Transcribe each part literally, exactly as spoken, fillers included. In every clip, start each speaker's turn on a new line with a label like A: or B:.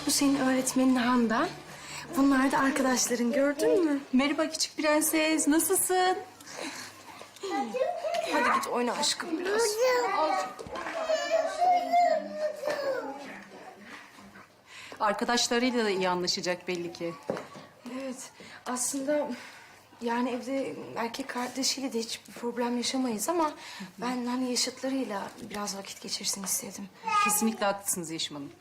A: Bu senin öğretmenin Handan. Bunlar da arkadaşların, gördün mü?
B: Merhaba küçük prenses, nasılsın?
A: Hadi git oyna aşkım biraz.
B: Arkadaşlarıyla da iyi anlaşacak belli ki.
A: Evet, aslında yani evde erkek kardeşiyle de hiçbir problem yaşamayız ama ben hani yaşıtlarıyla biraz vakit geçirsin istedim.
B: Kesinlikle haklısınız Yeşim Hanım.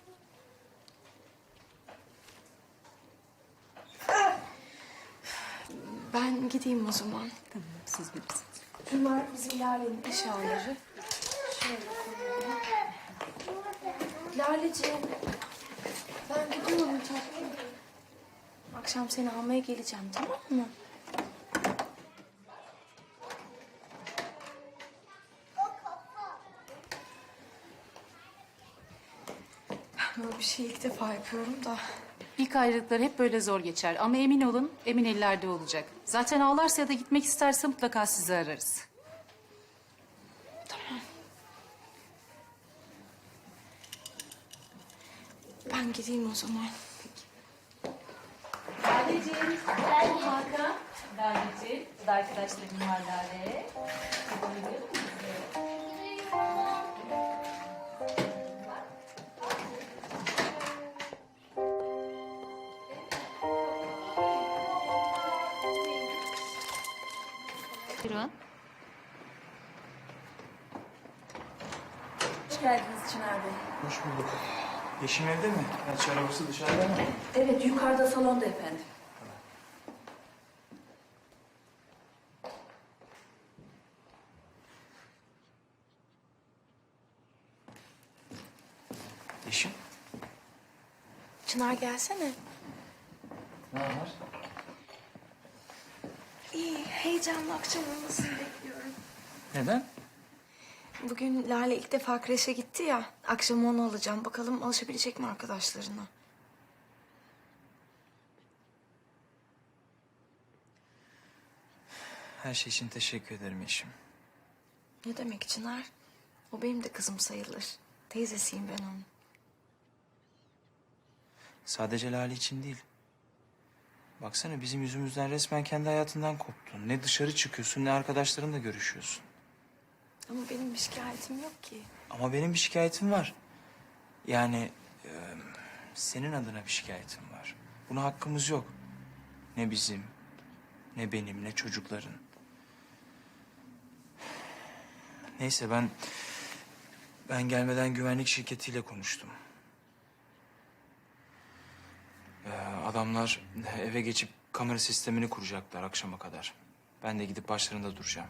A: Ben gideyim o zaman.
B: Tamam, siz bilirsiniz.
A: Bunlar bizim Lale'nin eşyaları. Şöyle koyalım. Laleciğim, ben gidiyorum tatlım. Akşam seni almaya geleceğim, tamam mı? Böyle bir şey ilk defa yapıyorum da.
B: İlk ayrılıklar hep böyle zor geçer ama emin olun, emin ellerde olacak. Zaten ağlarsa ya da gitmek isterse mutlaka sizi ararız.
A: Ben gideyim o zaman.
B: Laleciğim, ben Hakan. Laleciğim, bu da arkadaşlarım var Lale. Buyurun.
C: Hoş geldiniz Çınar Bey.
D: Hoş bulduk. Yeşim evde mi? Gerçi arabası dışarıda mı?
C: Evet, yukarıda salonda efendim.
D: Yeşim?
A: Çınar gelsene.
D: Ne var?
A: İyi, heyecanlı akşam olmasını bekliyorum.
D: Neden?
A: Bugün Lale ilk defa kreşe gitti ya. Akşam onu alacağım. Bakalım alışabilecek mi arkadaşlarına?
D: Her şey için teşekkür ederim Yeşim.
A: Ne demek Çınar? O benim de kızım sayılır. Teyzesiyim ben onun.
D: Sadece Lale için değil. Baksana bizim yüzümüzden resmen kendi hayatından koptun. Ne dışarı çıkıyorsun ne arkadaşlarınla görüşüyorsun.
A: Ama benim bir şikayetim yok ki.
D: Ama benim bir şikayetim var. Yani e, senin adına bir şikayetim var. Buna hakkımız yok. Ne bizim, ne benim, ne çocukların. Neyse ben... Ben gelmeden güvenlik şirketiyle konuştum. Ee, adamlar eve geçip kamera sistemini kuracaklar akşama kadar. Ben de gidip başlarında duracağım.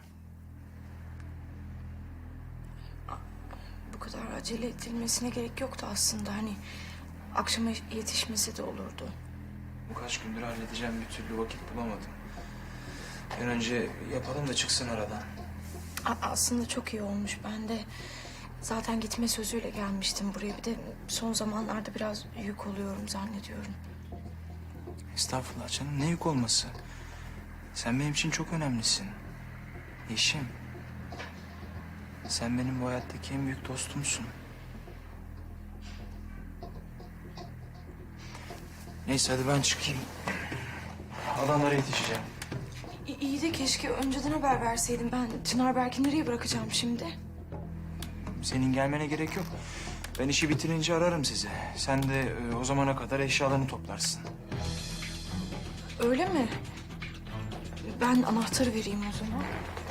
A: Bu kadar acele edilmesine gerek yoktu aslında. Hani akşama yetişmesi de olurdu.
D: Bu kaç gündür halledeceğim bir türlü vakit bulamadım. Bir an önce yapalım da çıksın aradan.
A: A- aslında çok iyi olmuş. Ben de zaten gitme sözüyle gelmiştim buraya. Bir de son zamanlarda biraz yük oluyorum zannediyorum.
D: Estağfurullah canım, ne yük olması. Sen benim için çok önemlisin. Yeşim. Sen benim bu hayattaki en büyük dostumsun. Neyse hadi ben çıkayım. Adamlara yetişeceğim.
A: İ- İyi de keşke önceden haber verseydim. Ben Çınar Berk'i nereye bırakacağım şimdi?
D: Senin gelmene gerek yok. Ben işi bitirince ararım sizi. Sen de e, o zamana kadar eşyalarını toplarsın.
A: Öyle mi? Ben anahtarı vereyim o zaman.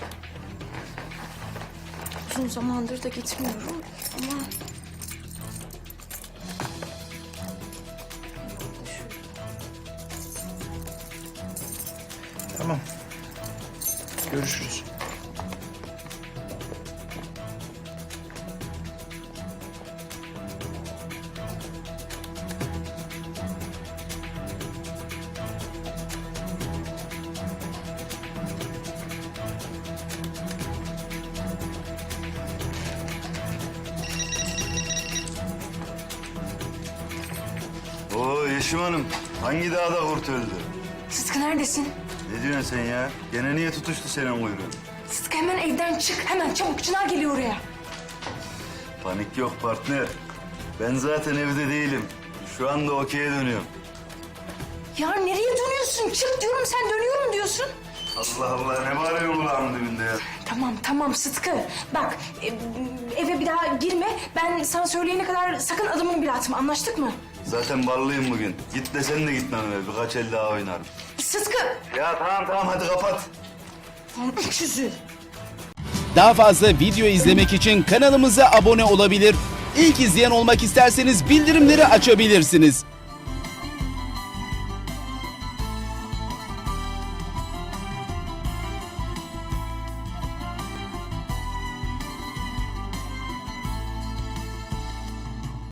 A: Uzun zamandır da gitmiyorum ama...
D: Tamam. Görüşürüz.
E: Oo Yeşim Hanım, hangi dağda kurt öldü?
A: Sıtkı neredesin?
E: Ne diyorsun sen ya? Gene niye tutuştu senin kuyruğun?
A: Sıtkı hemen evden çık. Hemen çabuk. Çınar geliyor oraya.
E: Panik yok partner. Ben zaten evde değilim. Şu anda okey'e dönüyorum.
A: Ya nereye dönüyorsun? Çık diyorum, sen dönüyorum diyorsun.
E: Allah Allah, ne bağırıyor kulağımın dibinde ya?
A: Tamam tamam Sıtkı. Bak e, eve bir daha girme. Ben sana söyleyene kadar sakın adımını bile atma. Anlaştık mı?
E: Zaten ballıyım bugün. Git desen de gitmem eve. Birkaç el daha oynarım.
A: Sıtkı.
E: Ya tamam tamam, hadi kapat.
A: Öküzü.
F: Daha fazla video izlemek için kanalımıza abone olabilir. İlk izleyen olmak isterseniz bildirimleri açabilirsiniz.